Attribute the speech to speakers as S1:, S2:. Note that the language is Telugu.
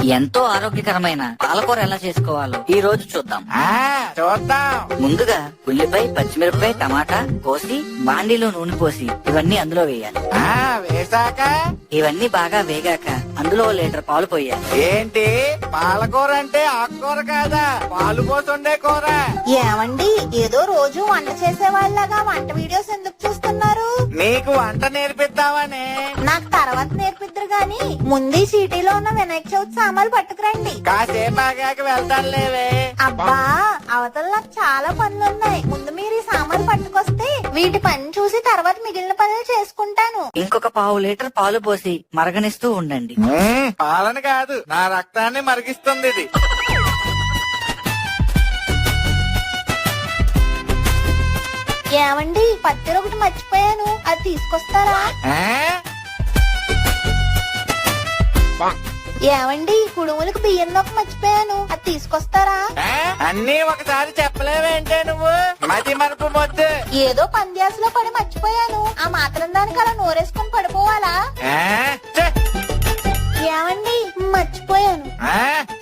S1: ఎంతో ఆరోగ్యకరమైన పాలకూర ఎలా చేసుకోవాలో ఈ రోజు చూద్దాం.
S2: చూద్దాం.
S1: ముందుగా ఉల్లిపాయ, పచ్చిమిరపకాయ, టమాటా కోసి బాండీలో నూనె పోసి ఇవన్నీ అందులో వేయాలి.
S2: వేసాక
S1: ఇవన్నీ బాగా వేగాక అందులో 1 లీటర్ పాలు పోయాలి.
S2: ఏంటి పాలకూర అంటే ఆకుకూర కాదా, పాలు పోతుండే కూర?
S3: ఏమండి, ఏదో రోజు వంట చేసే వాళ్ళగా వంట వీడియోస్ ఎందుకు చూస్తున్నారు?
S2: నీకు వంట నేర్పిద్దామని.
S3: నాకు తర్వాత నేర్పిద్దరు గాని ముందు ఈ సిటీలో ఉన్న వినాయక చవితి సామాన్లు పట్టుకురండి.
S2: కాసేపు ఆగాక వెళ్తాను లేవే.
S3: అబ్బా, అవతల నాకు చాలా పనులున్నాయి. ముందు మీరు ఈ సామాన్లు పట్టుకొస్తే వీటి పని చూసి తర్వాత మిగిలిన పనులు చేసుకుంటాను.
S1: ఇంకొక 1/2 లీటర్ పాలు పోసి మరగనిస్తూ ఉండండి.
S2: పాలన కాదు, నా రక్తాన్ని మరిగిస్తుంది ఇది.
S3: ఏమండి, పత్తిరి ఒకటి మర్చిపోయాను, అది తీసుకొస్తారా? ఏమండి, కుడుములకు బియ్యం నొక్క మర్చిపోయాను, అది తీసుకొస్తారా?
S2: అన్నీ ఒకసారి చెప్పలేవేంటే నువ్వు, మతి మరపు మొద్దు.
S3: ఏదో పంద్యాసలో పడి మర్చిపోయాను, ఆ మాత్రం దానికి అలా నోరేసుకుని పడిపోవాలా? ఏమండి, మర్చిపోయాను.